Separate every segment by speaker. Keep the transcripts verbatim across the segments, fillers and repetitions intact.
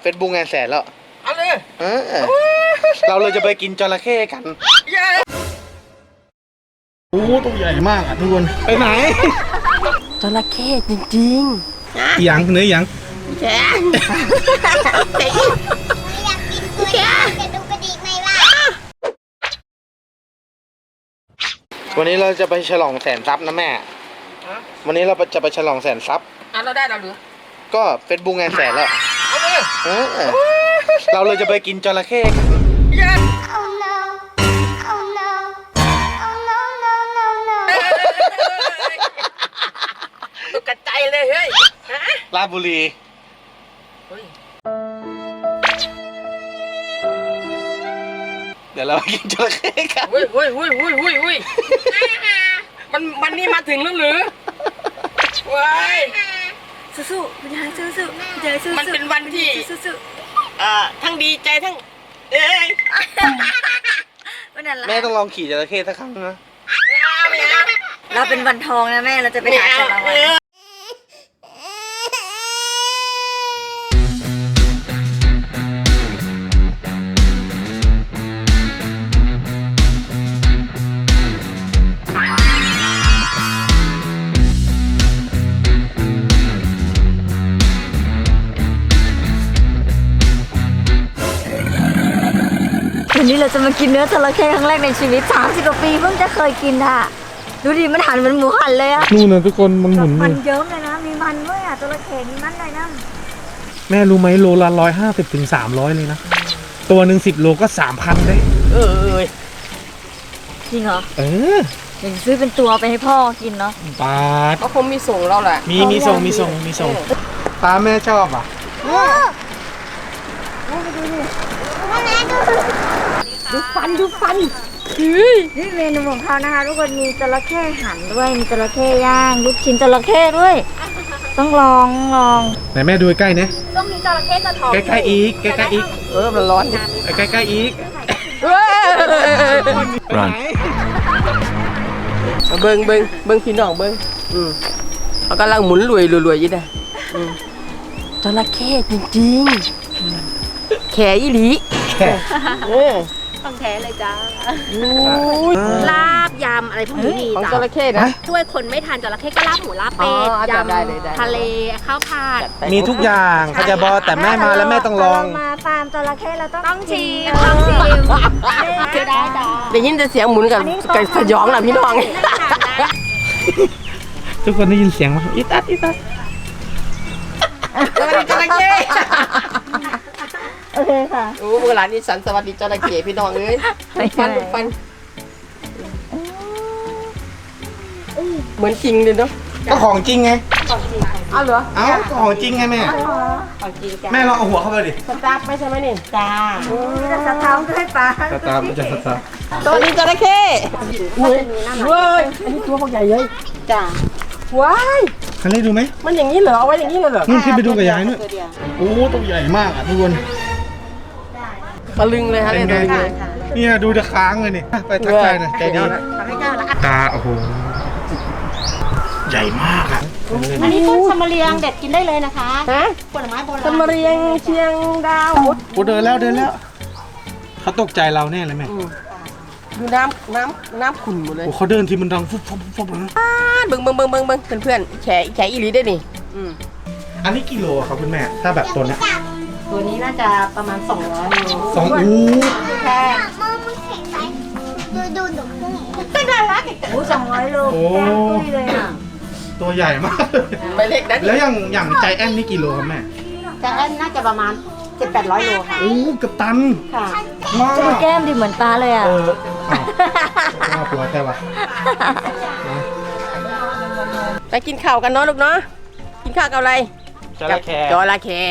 Speaker 1: เฟซบุ๊กงานแสนแล้ว
Speaker 2: เอาเลย
Speaker 1: เออเราเลยจะไปกินจระเข้กันโอ้ตัวใหญ่มากอ่ะทุกคนไปไหน
Speaker 2: จระเข้จริง
Speaker 1: ๆยังเนื้อยัง
Speaker 3: แช่อยากกินตัวนี้จะดูกระดิกไหมล่ะ
Speaker 1: วันนี้เราจะไปฉลองแสนทรัพย์นะแม่วันนี้เราจะไปฉลองแสนทรัพย์
Speaker 2: อ่ะเราได้เราหรือ
Speaker 1: ก็เฟซบุ๊กงานแสนแล้ว
Speaker 2: เอาเลย
Speaker 1: เออเราเลยจะไปกินจระเข้กัน
Speaker 2: ตกใจเลยเฮ้ย
Speaker 1: ราชบุรีเดี๋ยวเราไปกินจระเข้กัน
Speaker 2: วุ้ยวุ้ยวุ้ยวุ้ยวุ้ยวุ้ยมันมันนี่มาถึงแล้วหรือว้าย
Speaker 3: สู้ๆคุณยายสู้ๆคุณยายสู้ๆ
Speaker 2: มันเป็นวันที่
Speaker 3: สู้
Speaker 2: ๆอ่าทั้งดีใจทั้งเอ้ย
Speaker 1: แม่ต้องลองขี่จระเข้สักครั้งนะ
Speaker 3: เราเป็นวันทองนะแม่เราจะไปหาจระเข้วันนี้เราจะมากินเนื้อจระเข้ครั้งแรกในชีวิตสามสิบกว่าปีเพิ่งจะเคยกินอ่ะดูดิมันหันเหมือนหมูหันเลยอ่ะ
Speaker 1: นู่นนะทุกคนมันหมุน
Speaker 3: มันเยิ้มเลยนะมีมันด้วยอ่ะจระเข้มีมันเลยนะ
Speaker 1: แม่รู้ไหมโลละร้อยห้าสิบถึงสามร้อยเลยนะตัวหนึ่งสิบโลก็สามพันได้
Speaker 2: เออ
Speaker 3: จริงเหรอ
Speaker 1: เออ
Speaker 3: เดี๋ยวซื้อเป็นตัวไปให้พ่อกินเนาะ
Speaker 1: ปลา
Speaker 2: ก็คงมีส่งเราแหละ
Speaker 1: มีมีส่งมีส่งมีส่งปลาแม่ชอบอ่ะ
Speaker 3: ดูฟันดูฟันนี่เมนูของเขานะคะทุกคนมีจระเข้หั่นด้วยมีจระเข้ย่างลูกชิ้นจระเข้ด้วยต้องลองลอง
Speaker 1: ไหนแม่ดูใกล้เนี่ย
Speaker 3: ต้องมีจระเข้จะทอง
Speaker 1: ใกล้ๆอีกใกล้ๆอีก
Speaker 2: เออมันร้อน
Speaker 1: ใกล้ๆอีก
Speaker 2: รันเบิ้งเบิ้งเบิ้งพี่น้องเบิ้งอืมเขากำลังหมุนรวยรวยยี่นะจระเข้จริงๆแขยี่หลี
Speaker 1: แข
Speaker 3: ต้องแท้เลยจ้าลาบยำอะไรพวกนี้มี
Speaker 2: จ้าของจระเข้นะ
Speaker 3: ช่วยคนไม่ทานจระเข้ก็ลาบหมูลาบเป็ดยำทะเลข้าวผัด
Speaker 1: มีทุกอย่างเขาจะบอกแต่แม่มาแล้วแม่ต้องลอง
Speaker 3: มาฟาร์มจระเข้เราต้องชิมต้องชิมคือได้จ้า
Speaker 2: ได้ยินแต่เสียงหมุนกับกับสยองแหละพี่น้อง
Speaker 1: ทุกคนได้ยินเสียงไหมอีตัดอีตัด
Speaker 2: จระเข้
Speaker 3: โอเคค่ะ
Speaker 2: โอ้โบราณนี่สันสวัสดีจระเข้พี่น้องเอ้ยฟันฟันเหมือนจริงเลยเนาะ
Speaker 1: ก็ของจริงไง
Speaker 3: ของจริง
Speaker 2: อ้าวเหรอ
Speaker 1: อ้าวของจริงไงแม่
Speaker 3: ของจริงจ้า
Speaker 1: แม่ลองเอาหัวเข้าไปดิ
Speaker 2: สตาร์ทไม่ใช่ไหมนี่
Speaker 3: จ้าจะสตาร์ทด้วยปลา
Speaker 1: สตาร์ทมันจะสตาร์ท
Speaker 2: ตัวนี้จระเข้เว้ยเว้ยอันนี้ตัวเขาใหญ่เลย
Speaker 3: จ้า
Speaker 2: ว้าย
Speaker 1: คันเล่ดูไหม
Speaker 2: มันอย่างนี้เหรอเอาไว้อย่างนี้เลยเหรอ
Speaker 1: นู่นขึ้นไปดูกับยายนู่นโอ้ตัวใหญ่มากอ่ะทุกคน
Speaker 2: ตะลึงเลยฮะเลย
Speaker 1: เนี่ยดูจะค้างเลยนี่ไปทักทายหน่อยใจดีตาโอ้โหใหญ่มากอ่ะ
Speaker 3: อันนี้ต้นสมเรียงเด็ดกินได้เลยนะคะ
Speaker 2: ฮะ
Speaker 3: ผลไม้โบราณ
Speaker 2: สมเรียงเชียงดาว
Speaker 1: โอ้เดินแล้วเดินแล้วเขาตกใจเราแน่เลยแม่
Speaker 2: ดูน้ำน้ำน้ำขุ่นหมดเลย
Speaker 1: โอ้เขาเดินทีมันดังฟุบฟุบฟุบเลย
Speaker 2: เบิ้งเบิ้งเบิ้งเบิ้งเบิ้งเพื่อนเพื่อนแฉแฉอีหลีได้นี่
Speaker 1: อันนี้กิโลครับคุณแม่ถ้าแบบตัวเนี้ย
Speaker 3: ตัวนี้น่าจะประมาณสองร้อยโล
Speaker 1: สองอู้
Speaker 3: แค่ดูดูดูเป็นอะไรโอ้สองร้อยโลแก้มตุ้ยเลยอ่ะ
Speaker 1: ตัวใหญ่มาก
Speaker 2: ไปเล็กนะ
Speaker 1: แล้วอย่างอย่างใจแอนนี่กิโลครับแม่
Speaker 3: ใจแอนน่าจะประมาณเจ็ดแปดร้อยโลค่ะ
Speaker 1: โอ้เกือบตัน
Speaker 3: ค่ะดูแก้มดิเหมือนปลาเลยอ่ะ
Speaker 1: เอออ้าวปวดแค่วะ
Speaker 2: ไปกินข้าวกันเนาะลูกเนาะกินข้าวกับอะไร
Speaker 1: จระเข้
Speaker 2: จระเข้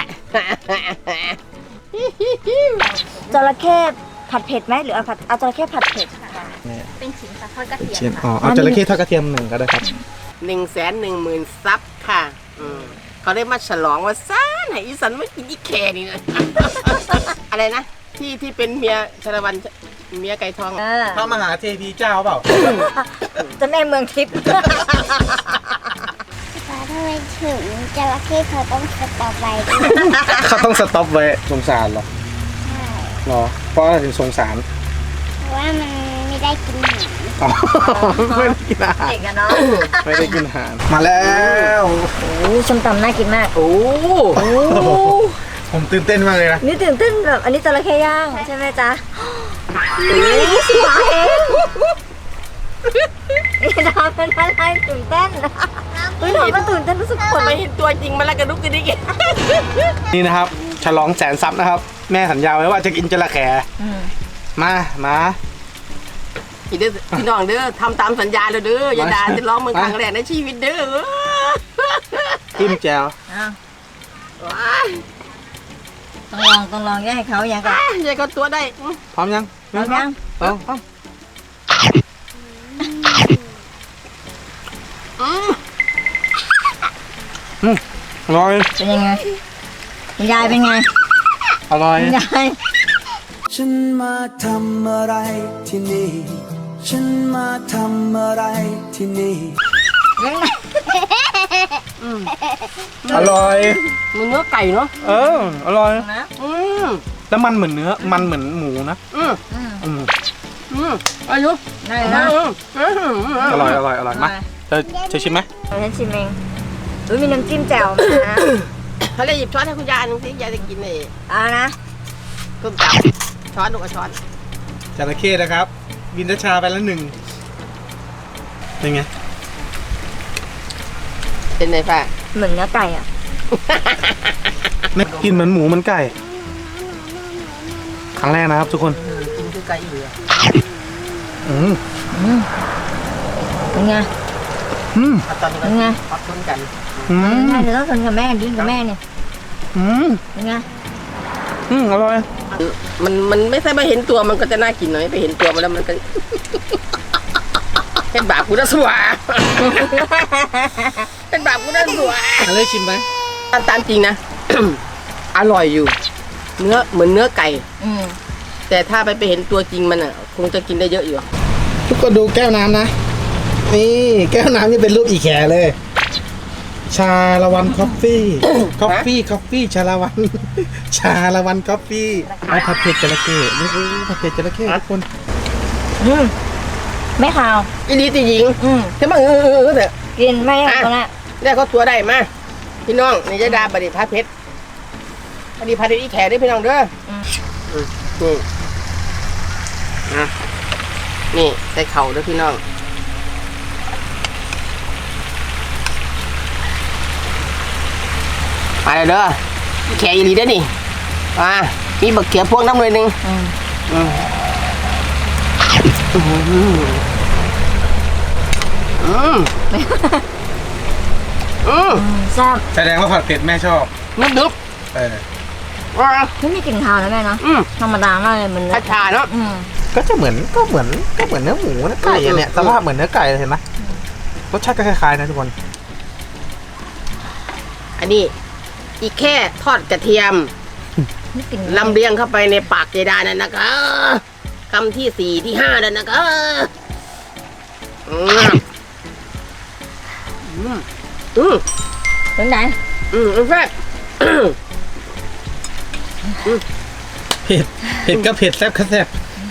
Speaker 3: จระเข้ผัดเผ็ดไหมหรือเอาผัดเอาจระเข้ผัดเผ็ดเป็นชิ้นทอดกระเทียม
Speaker 1: อ๋อเอาจระเข้ทอดกระเทียมหนึ่งก็ได้ครับ
Speaker 2: หนึ่งแสนหนึ่งหมื่นซับค่ะเขาได้มาฉลองว่าซ่าไหนอีสันไม่กินอีแค่นี่นะอะไรนะที่ที่เป็นเมียชาละวันเมียไก่ทอง
Speaker 1: พระมหาเทพีเจ้าเปล่า
Speaker 3: จะแม่เมืองทิพย์
Speaker 4: ทำไมถึงจระเข้เขาต้องสต็อปไว้
Speaker 1: เขาต้องสต็อปไว้สงสารเหรอ
Speaker 4: ใช่
Speaker 1: เหรอเพราะอะไรถึงสงสาร
Speaker 4: เพราะว่ามันไม่ได้กินหาง
Speaker 1: อ๋อไม่ได้กินอาหาร
Speaker 3: เด็กอะเนาะ
Speaker 1: ไม่ได้กินอาหารมาแล้ว
Speaker 3: โอ้ส้มตำน่ากินมาก
Speaker 2: โอ้
Speaker 3: โอ้
Speaker 1: ผมตื่นเต้นมากเลยนะ
Speaker 3: นี่ตื่นเต้นแบบอันนี้จระเข้ย่างใช่ไหมจ๊ะโอ้สิบาเองนี่ดาวเป็นอะไรตื่นเต้นเฮ้ยเราก็ตื่นเต้นรู้สึกขน
Speaker 2: ไปเห็นตัวจริงมาแล้วกระดุกกระดิก
Speaker 1: นี่นะครับฉลองแสนซับนะครับ แม่สัญญาไว้ว่าจะกินจระแข
Speaker 3: อืม
Speaker 1: มามา
Speaker 2: พี่เด้อพี่น้องเด้อทำตามสัญญาเลยเด้ออย่าด่าจะร้องเมืองครั้งแรกในชีวิตเด้อ
Speaker 1: จิ้มแจ่ว
Speaker 3: อ้าว
Speaker 2: ว้าย
Speaker 3: ต้องลองต้องลองแยกให้เขาอย่างก่อน
Speaker 2: ยายก็ตัวได้
Speaker 1: พร้อมยัง
Speaker 3: ลองยัง
Speaker 1: พร้อมพร้อม
Speaker 2: อืม
Speaker 1: อืมอร่อย
Speaker 3: เป็นยังไงคุณยายเป็นไง
Speaker 1: อร่อย
Speaker 3: คุณยาย
Speaker 5: ฉันมาทำอะไรที่นี่ ฉันมาทำอะไรที่นี่
Speaker 3: ยังไง
Speaker 1: อร่อย
Speaker 2: มันเนื้อไก่เนาะ
Speaker 1: เอออร่อย
Speaker 3: นะ
Speaker 2: อืม
Speaker 1: แล้วมันเหมือนเนื้อมันเหมือนหมูนะ
Speaker 2: อืม
Speaker 3: อืม
Speaker 1: อืม
Speaker 2: อืมอายุ
Speaker 3: ได้
Speaker 2: อื
Speaker 3: นะ
Speaker 2: มอืม
Speaker 1: อร่อยอร่อยอร่อยมาเธอเธอชิมไหม
Speaker 3: เอาฉันชิมเองอุ้ยมีน้ำจิ้มแจ่วมานะ
Speaker 2: เขาเลยหยิบช้อนให้คุณยายอันนึงสิยายจะกินเอง
Speaker 3: เอานะ
Speaker 2: ต้มจับช้อนลูกเอาช้อน
Speaker 1: จระเข้นะครับกินชาไปแล้วหนึ่งเป็นไง
Speaker 2: เป็นไงป้า
Speaker 3: เหมือนเนื้อไก่อ่ะ
Speaker 1: ไม่กินเหมือนหมูเหมันไก่ครั้งแรกนะครับทุกคน
Speaker 2: กินคือไก่เหลือ
Speaker 1: อืม
Speaker 3: อืมเป็นไง
Speaker 1: อืม
Speaker 2: ตอนนี้
Speaker 3: เป็นไง
Speaker 2: ปักชนกัน
Speaker 1: อืม
Speaker 3: แม่เดี๋ยวต้องทนกับแม่ดิ้นกับแม่เนี่ย
Speaker 1: อืม
Speaker 3: เป็นไง
Speaker 1: อืมอร่อย
Speaker 2: มันมันไม่ใช่มาเห็นตัวมันก็จะน่ากินหน่อยไปเห็นตัวมันแล้วมันก็ เป็นบาปกูนะสัว เป็นบาปกูนะสัว
Speaker 1: อะไรชิมไหม
Speaker 2: ตามตามจริงนะ อร่อยอยู่ เนื้อเหมือนเนื้อไก่
Speaker 3: อืม
Speaker 2: แต่ถ้าไปไปเห็นตัวจริงมันอ่ะ คงจะกินได้เยอะอยู่
Speaker 1: ทุกคนดูแก้วน้ำนะ นี่แก้วน้ำนี่เป็นรูปอีแขเลย ชาละวันคอฟฟี่ คอฟฟี่ คอฟฟี่ ชาละวัน ชาละวันคอฟฟี่เอาผัดเผ็ดจระเข้นี่คือผัดเผ็ดจระเข้ทุกคน
Speaker 3: อืมไม่ขาว
Speaker 2: อีลีตีหญิง
Speaker 3: อืม
Speaker 2: ใช่ไหมเออเออเออแต่
Speaker 3: กินไม่ได้ตรงนั้น
Speaker 2: ได้ก็ตัวได้มาพี่น้องนี่จะดาบดิพัดเพชรอันนี้พัดเพชรอีแขได้พี่น้องเด้อ
Speaker 3: อืม
Speaker 2: อืมนี่นะนี่ใส่เข่าเด้อพี่น้องไปเลยเด้ออีแขอีหลีได้อนี่มามีบักเขียพวงน้ำเลยหนึ่ง
Speaker 3: อืม
Speaker 2: อืมอืมอืม
Speaker 3: แซ่บ
Speaker 1: แสดงว่าผัดเผ็ดแม่ชอบ
Speaker 2: นึกนึก
Speaker 1: เออ
Speaker 2: ว่า
Speaker 3: ไม่มีกลิ่นคาวนะแม่เนาะ
Speaker 2: อืม
Speaker 3: ธรรมดามากเลยมัน
Speaker 2: ชาชาเนาะ
Speaker 3: อืม
Speaker 1: ก็จะเหมือนก็เหมือนก็เหมือนเนื้อหมูนะไก่อะเนี่ย
Speaker 2: อืม
Speaker 1: สภาพเหมือนเนื้อไก่เลยเห็นไหมรสชาติก็คล้ายๆนะทุกคน
Speaker 2: อันนี้อีกแค่ทอดกระเทียม
Speaker 3: ไม่กลิ่น
Speaker 2: ลำเลียงเข้าไปในปากเจดานั่นนะคะคำที่สี่ที่ห้านั่นนะคะอืมอืมอืม
Speaker 3: เป็นไหน
Speaker 2: อืมแซ่บ
Speaker 1: เผ็ดเผ็ดก็เผ็ดแซ่บก็แซ่บ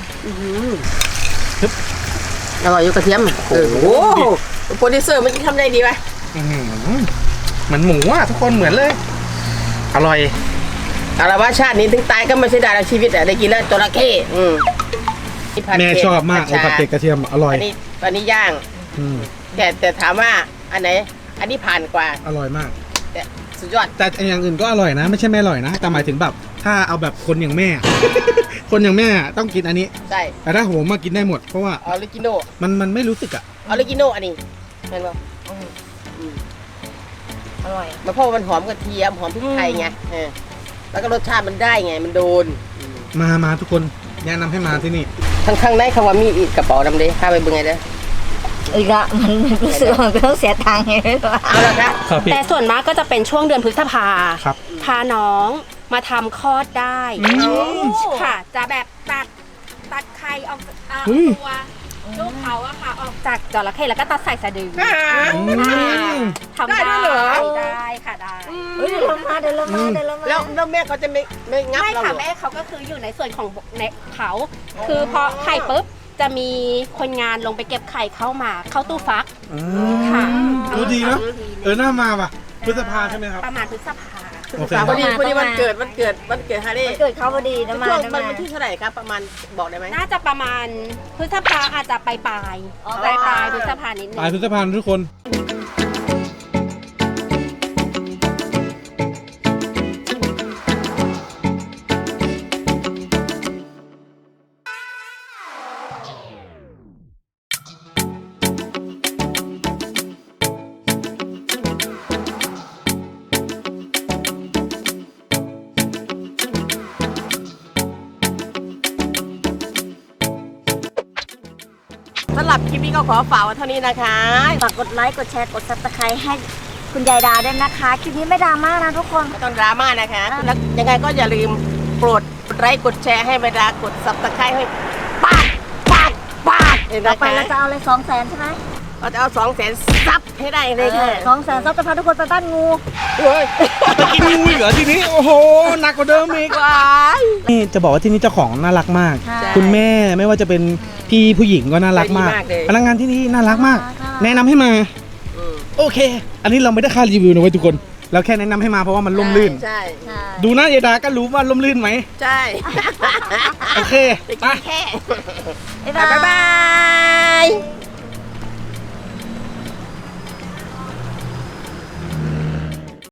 Speaker 2: อร่อยอยู่กระเทียมโอ้โหโปรดิวเซอร์มันจะทำได้ดีไหม
Speaker 1: อื้อหือเหมือนหมูอ่ะทุกคนเหมือนเลย อร่อย
Speaker 2: เอาละว่าชาตินี้ถึงตายก็ไม่ใช่ดาราชีวิตอะได้กินแล้วจระเข้อืมนี่ผัด
Speaker 1: แม่
Speaker 2: เผ็ด
Speaker 1: ชอบมากไอ้ผัดเผ็ดกระเทียมอร่อย
Speaker 2: อันนี้อันนี้ย่าง
Speaker 1: อืม
Speaker 2: แต่แต่ถามว่าอันไหน อันนี้ผ่านกว่า
Speaker 1: อร่อยมาก
Speaker 2: แต่สุดยอด
Speaker 1: แต่อย่างอื่นก็อร่อยนะ ไม่ใช่ไม่อร่อยนะแต่หมายถึงแบบถ้าเอาแบบคนอย่างแม่ คนอย่างแม่ต้องกินอันนี้
Speaker 2: ใช่
Speaker 1: แต่ถ้าผมมากินได้หมดเพราะว่า
Speaker 2: ออริจิโน
Speaker 1: มันมันไม่รู้สึกอ่ะ
Speaker 2: ออริจิโนอันนี้เห็นป่ะ
Speaker 3: อืมอร่อย
Speaker 2: มันเพราะว่ามันหอมกระเทียมหอมพริกไทยไงเออแล้วก็รสชาติมันได้ไงมันโดน
Speaker 1: มามาทุกคนแนะนำให้มาที่นี่
Speaker 2: ข้างข้างในคำว่ามีอีกกระเป๋าดำเด้ข้าไปเบิ่งไงเด้อ
Speaker 3: อีกละมันรู้สึกว่ามันก็ต้องเสียตังค์ไงไม่รู้
Speaker 2: เอาละครับ
Speaker 1: ครับพี่
Speaker 6: แต่ส่วนมากก็จะเป็นช่วงเดือนพฤษภา
Speaker 1: ครับ
Speaker 6: พาน้องมาทำคลอดได้
Speaker 1: อืม
Speaker 6: ค่ะ จะแบบตัดตัดไข่ออกจากอ่า
Speaker 1: เฮ้ย
Speaker 6: ตัวลูกเขาอะค่ะออกจากจระเข้แล้วก็ตัดใส่สะดือ
Speaker 1: อืม
Speaker 6: ทำได้
Speaker 2: ได้ด้วยเหรอ
Speaker 6: ได้ค่ะได้
Speaker 3: เฮ้ยเดี๋ยวเรามาเดี๋ยวเรามาเดี๋ยวเรามา
Speaker 2: แล้วแล้วแม่เขาจะไม่ไม่งับ
Speaker 6: ไม่
Speaker 2: เรา
Speaker 6: ค่ะ
Speaker 2: เหรอ
Speaker 6: แม่เขาก็คืออยู่ในส่วนของในเขา คือพอไข่ปุ๊บจะมีคนงานลงไปเก็บไข่เข้ามาเข้าตู้ฟัก
Speaker 1: อื
Speaker 6: ค่ะ
Speaker 1: มดูดีเนาะเออน่ามาว่ะพฤษภาใช่ไหมครับ
Speaker 6: ประมาณพฤษภา
Speaker 1: โอเค
Speaker 2: พอดีพอดีวันเกิดวันเกิดวันเกิดฮาร์รี่
Speaker 3: เกิดเขาพอดีนะมา
Speaker 2: ช่วง
Speaker 3: นะ
Speaker 2: วั
Speaker 3: มาน
Speaker 2: วันที่เท่าไหร่ครับประมาณบอกได้ไหม
Speaker 6: น่าจะประมาณพฤษภาอาจจะปลายปลาย
Speaker 3: อ๋อ
Speaker 6: ปลายปลายพฤษภานิดนึ
Speaker 1: ปลาย
Speaker 6: ง
Speaker 1: พฤษภาทุกคน
Speaker 2: สำหรับคลิปนี้ก็ขอฝากไว้เท่านี้นะคะ
Speaker 3: ฝากกดไลค์กดแชร์กดซับสไครต์ให้คุณยายดาด้วยนะคะคลิปนี้ไม่ดราม่านะทุกคน
Speaker 2: ไม่ต้องดราม่านะคะ แล้วยังไงก็อย่าลืมโปรดกดไลค์กดแชร์ให้เวลากดซับสไครต์ให้ปาดปาดปาดเห็น
Speaker 3: ต่อ
Speaker 2: นะ
Speaker 3: ไป
Speaker 2: คะ
Speaker 3: เราจะเอาเลยสองแสนใช่ไหม
Speaker 2: เราจะเอาสองแสนซับให้ได้เลยค่ะ
Speaker 3: สองแสนซับจะพาทุกคนไปบ้านงู
Speaker 1: ไปกินงูอีกเหรอทีนี้ โอ้โหหนักกว่าเดิมอีก
Speaker 2: ว้าย
Speaker 1: นี่จะบอกว่าที่นี่เจ้าของน่ารักมาก
Speaker 3: ใช่
Speaker 1: คุณแม่ไม่ว่าจะเป็นพี่ผู้หญิงก็น่ารักมาก พนักงานที่นี่น่ารักมาก แนะนำให้มา
Speaker 2: อืม
Speaker 1: โอเค อันนี้เราไม่ได้ค่ารีวิวนะเว้ยทุกคน เราแค่แนะนำให้มาเพราะว่ามันล่มลื่น
Speaker 2: ใช่
Speaker 3: ใช่
Speaker 1: ดูหน้ายายดาก็รู้ว่าล่มลื่นไหม
Speaker 2: ใช่
Speaker 1: โอเค
Speaker 2: จะ
Speaker 1: ไป
Speaker 2: กินแค่
Speaker 3: บ๊ายบาย
Speaker 2: บ๊ายบาย